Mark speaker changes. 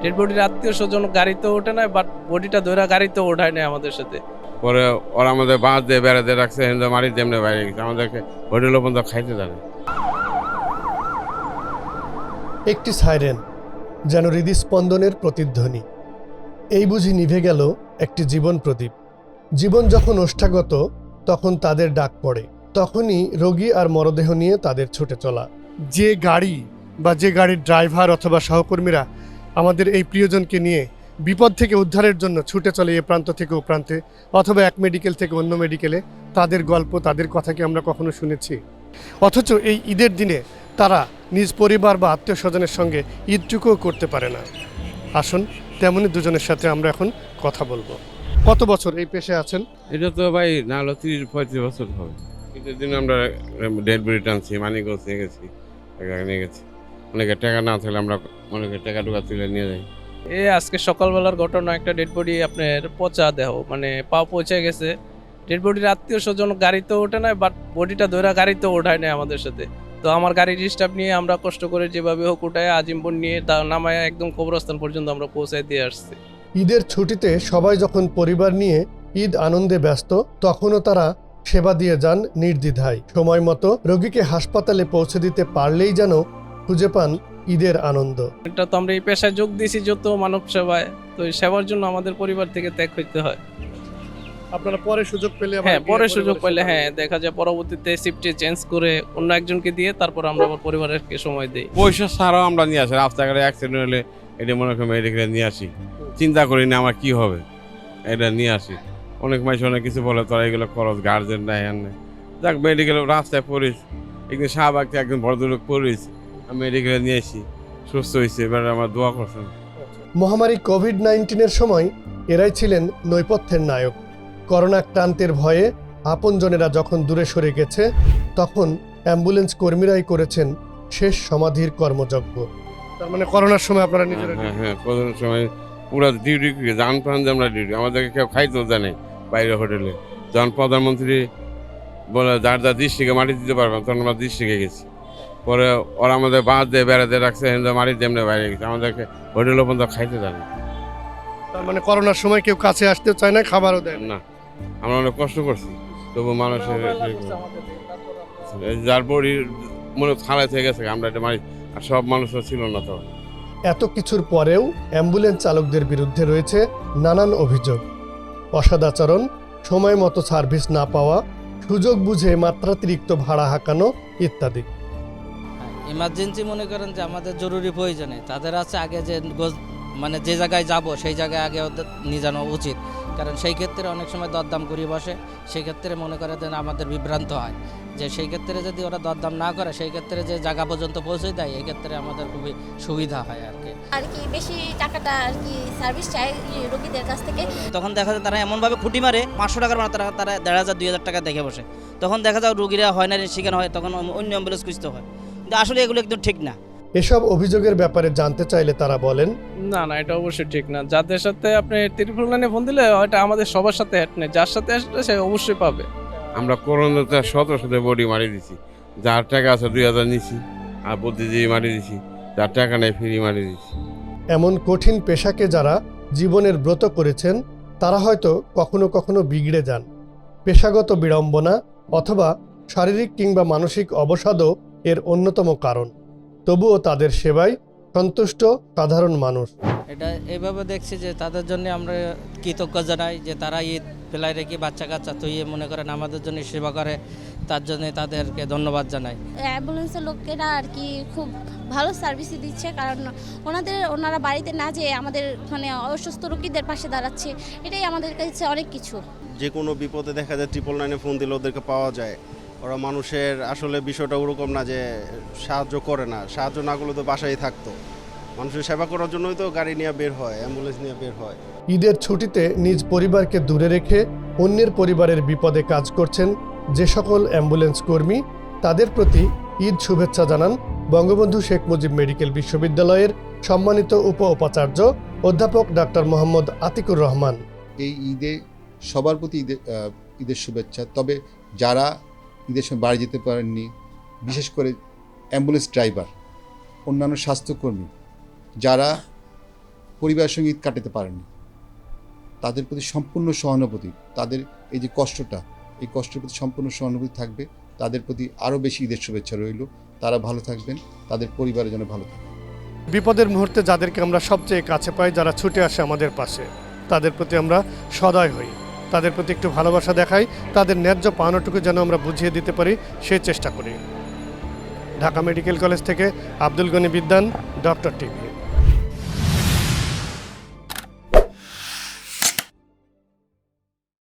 Speaker 1: Dead বডির আত্মীয় স্বজন গাড়িতে ওঠে না, বাট বডিটা ধরে গাড়িতে ওঠায় না আমাদের সাথে।
Speaker 2: পরে ওরা আমাদের বাঁশ দিয়ে বেড়া দিয়ে রাখছে, হিন্দু মারি তেমনি বাইরে গেছে, আমাদেরকে হোটেল পর্যন্ত খাইতে জানে।
Speaker 3: একটি সাইরেন, যেন হৃদস্পন্দনের প্রতিধ্বনি। এই বুঝি নিভে গেল একটি জীবন প্রদীপ। জীবন যখন ওষ্ঠাগত, তখন তাদের ডাক পড়ে, তখনই রোগী আর মরদেহ নিয়ে তাদের ছুটে চলা। যে গাড়ি বা যে গাড়ির ড্রাইভার অথবা সহকর্মীরা আমাদের এই প্রিয়জনকে নিয়ে বিপদ থেকে উদ্ধারের জন্য ছুটে চলে এ প্রান্ত থেকে ও প্রান্তে, অথবা এক মেডিকেল থেকে অন্য মেডিকেলে, তাদের গল্প, তাদের কথা কি আমরা কখনো শুনেছি? অথচ এই ঈদের দিনে তারা নিজ পরিবার বা আত্মীয় স্বজনের সঙ্গে ঈদটুকুও করতে পারে না। আসুন, তেমনি দুজনের সাথে আমরা এখন কথা বলবো। কত বছর এই পেশায় আছেন?
Speaker 2: এটা তো ভাই না হলো 30-35 বছর হবে। ঈদের দিন আমরা ডেড বডি টানছি, মানিকগঞ্জ নিয়ে গেছি, নিয়ে গেছি। অনেকের টাকা না থাকলে আমরা অনেকের টাকা টুকা তুলে নিয়ে যাই।
Speaker 1: আজকে সকালবেলার ঘটনা, একটা ডেড বডি আপনার পচা দেহ, মানে পা পচে গেছে। ডেড বডির আত্মীয় স্বজন গাড়িতে ওঠে না, বাট বডিটা ধরে গাড়িতে ওঠায় না আমাদের সাথে। তো আমার গাড়ির স্টাফ নিয়ে আমরা কষ্ট করে যেভাবে হোক উঠায় আজিমপুর নিয়ে নামায় একদম কবরস্থান পর্যন্ত আমরা পৌঁছায় দিয়ে আসছি।
Speaker 3: ঈদের ছুটিতে সবাই যখন পরিবার নিয়ে ঈদ আনন্দে ব্যস্ত, তখনও তারা সেবা দিয়ে যান নির্দ্বিধায়। সময় মতো রোগীকে হাসপাতালে পৌঁছে দিতে পারলেই যেন খুঁজে পান ঈদের আনন্দ।
Speaker 1: এটা তো আমরা এই পেশায় যোগ দিয়েছি যত মানব সেবায়, তো এই সেবার জন্য আমাদের পরিবার থেকে ত্যাগ করতে হয়।
Speaker 3: আপনারা পরে সুযোগ পেলে
Speaker 1: পরে সুযোগ পেলে দেখা যায় পরবর্তীতে শিফটে চেঞ্জ করে অন্য একজনকে দিয়ে তারপর আমরা আবার পরিবারকে সময় দিই।
Speaker 2: পয়সা ছাড়াও আমরা নিয়ে আসি, রাস্তাঘাটে অ্যাক্সিডেন্ট হলে এটা মনে করি মেডিকেলে নিয়ে আসি, চিন্তা করি না আমার কি হবে, এটা নিয়ে আসি। অনেক মানুষ অনেক কিছু বলে, তোরা এগুলো খরচ, গার্জেন নাই আর নেই। যাক, মেডিকেলে রাস্তায় পড়িস, একদিন শাহবাগকে একদিন ভদ্রলোক পড়িস, আমি মেডিকেলে নিয়ে আসি, সুস্থ হয়েছে, এবার আমার দোয়া করছেন।
Speaker 3: মহামারী কোভিড-19-এর সময় এরাই ছিলেন নৈপথ্যের নায়ক। করোনা আক্রান্তের ভয়ে আপনজনেরা যখন দূরে সরে গেছে, তখন অ্যাম্বুলেন্স কর্মীরাই করেছেন শেষ সমাধির কর্মযজ্ঞ। তার মানে করোনার সময় আপনারা নিজেরা
Speaker 2: হ্যাঁ, করোনার সময় পুরো ডিউটি, জান প্রাণ যে আমরা ডিউটি, আমাদেরকে কেউ খাইতেও জানে বাইরে হোটেলে। যখন প্রধানমন্ত্রী বলে যার যার দৃষ্টিকে মাটি দিতে পারবেন, তখন আমরা দৃষ্টিকে গেছি। পরে ওরা আমাদের বাঁশ দিয়ে বেড়া দিয়ে রাখছে, হিন্দু মাটি তেমনি বাইরে গেছে, আমাদেরকে হোটেল পর্যন্ত খাইতে জানে।
Speaker 3: তার মানে করোনার সময় কেউ কাছে আসতে চায় না, খাবারও দেয় না।
Speaker 2: না, আমরা অনেক কষ্ট করছি, তবু মানুষের যার বড়ি মনে খারাপ হয়ে গেছে, আমরা এটা মারি, আর সব মানুষও ছিল না তো।
Speaker 3: এত কিছুর পরেও অ্যাম্বুলেন্স চালকদের বিরুদ্ধে রয়েছে নানান অভিযোগ: অসদাচরণ, সময় মতো সার্ভিস না পাওয়া, সুযোগ বুঝে মাত্রাতিরিক্ত ভাড়া হাঁকানো ইত্যাদি।
Speaker 4: ইমার্জেন্সি মনে করেন যে আমাদের জরুরি প্রয়োজনে তাদের আছে আগে যে মানে যে জায়গায় যাব সেই জায়গায় আগে ওদের নিয়ে যাওয়া উচিত, কারণ সেই ক্ষেত্রে অনেক সময় দরদাম করিয়ে বসে। সেই ক্ষেত্রে মনে করে যে আমাদের বিভ্রান্ত হয়, যে সেই ক্ষেত্রে যদি ওরা দরদাম না করে, সেই ক্ষেত্রে যে জায়গা পর্যন্ত পৌঁছে দেয়, এই ক্ষেত্রে আমাদের খুবই সুবিধা হয় আর কি
Speaker 5: বেশি টাকাটা সার্ভিস চাই রোগীদের কাছ থেকে।
Speaker 4: তখন দেখা যায় তারা এমনভাবে খুঁটি মারে 500 টাকার মানে তারা 1500-2000 টাকা দেখে বসে। তখন দেখা যায় রোগীরা হয় না শিকার হয়, তখন অন্য অ্যাম্বুলেন্স খুঁজতে হয়। কিন্তু আসলে এগুলো একদম ঠিক না।
Speaker 3: এসব অভিযোগের ব্যাপারে জানতে চাইলে তারা বলেন,
Speaker 1: না, এটা অবশ্যই ঠিক না। যাদের সাথে আপনি ত্রিপুল লাইনে ফোন দিলে ওটা আমাদের সবার সাথে হ্যাট নেই, যার সাথে আসলে সে অবশ্যই পাবে।
Speaker 2: আমরা করোনাতে শত বডি মারি দিছি, যার টাকা আছে 2000 নিছি, আর বুদ্ধিজীবী মারি দিছি, যার টাকা নেই ফ্রি মারি দিছি।
Speaker 3: এমন কঠিন পেশাকে যারা জীবনের ব্রত করেছেন, তারা হয়তো কখনো কখনো বিগড়ে যান। পেশাগত বিড়ম্বনা অথবা শারীরিক কিংবা মানসিক অবসাদও এর অন্যতম কারণ। তবুও তাদের সেবায় সন্তুষ্ট সাধারণ মানুষ।
Speaker 4: এটা এইভাবে দেখছি যে তাদের জন্য আমরা কৃতজ্ঞ জানাই, যে তারা ঈদ ফেলাই রেখে বাচ্চা কাচ্চা তুইয়ে মনে করেন আমাদের জন্য সেবা করে, তার জন্য তাদেরকে ধন্যবাদ জানাই।
Speaker 5: অ্যাম্বুলেন্সের লোকেরা খুব ভালো সার্ভিসই দিচ্ছে, কারণ ওনারা বাড়িতে না যেয়ে আমাদের অসুস্থ রোগীদের পাশে দাঁড়াচ্ছে, এটাই আমাদের কাছে অনেক কিছু।
Speaker 6: যে কোনো বিপদে দেখা যায় 999 ফোন দিলে ওদেরকে পাওয়া যায়। ওরা মানুষের আসলে বিষয়টা ওরকম না যে সাহায্য করে না, সাহায্য না করলে তো বাসায় থাকতো। মানুষের সেবা করার জন্যই তো গাড়ি নিয়ে বের হয়, অ্যাম্বুলেন্স নিয়ে বের হয়।
Speaker 3: ঈদের ছুটিতে নিজ পরিবারকে দূরে রেখে অন্যের পরিবারের বিপদে কাজ করছেন যে সকল অ্যাম্বুলেন্স কর্মী, তাদের প্রতি ঈদ শুভেচ্ছা জানান বঙ্গবন্ধু শেখ মুজিব মেডিকেল বিশ্ববিদ্যালয়ের সম্মানিত উপাচার্য অধ্যাপক ডাক্তার মোহাম্মদ আতিকুর রহমান।
Speaker 7: এই ঈদে সবার প্রতি ঈদের শুভেচ্ছা। তবে যারা ঈদের সময় বাড়ি যেতে পারেননি, বিশেষ করে অ্যাম্বুলেন্স ড্রাইভার, অন্যান্য স্বাস্থ্যকর্মী, যারা পরিবারের সঙ্গে ঈদ কাটাতে পারেনি, তাদের প্রতি সম্পূর্ণ সহানুভূতি, তাদের এই যে কষ্টটা, এই কষ্টের প্রতি সম্পূর্ণ সহানুভূতি থাকবে। তাদের প্রতি আরও বেশি ঈদের শুভেচ্ছা রইল। তারা ভালো থাকবেন, তাদের পরিবারের জন্য ভালো থাকবে।
Speaker 3: বিপদের মুহূর্তে যাদেরকে আমরা সবচেয়ে কাছে পাই, যারা ছুটে আসে আমাদের পাশে, তাদের প্রতি আমরা সদয় হই, তাদের প্রতি একটু ভালোবাসা দেখাই, তাদের ন্যায্য পাওনাটুকু যেন আমরা বুঝিয়ে দিতে পারি সেই চেষ্টা করি। ঢাকা মেডিকেল কলেজ থেকে আব্দুল গনি বিদ্যান, ডক্টর টিভি।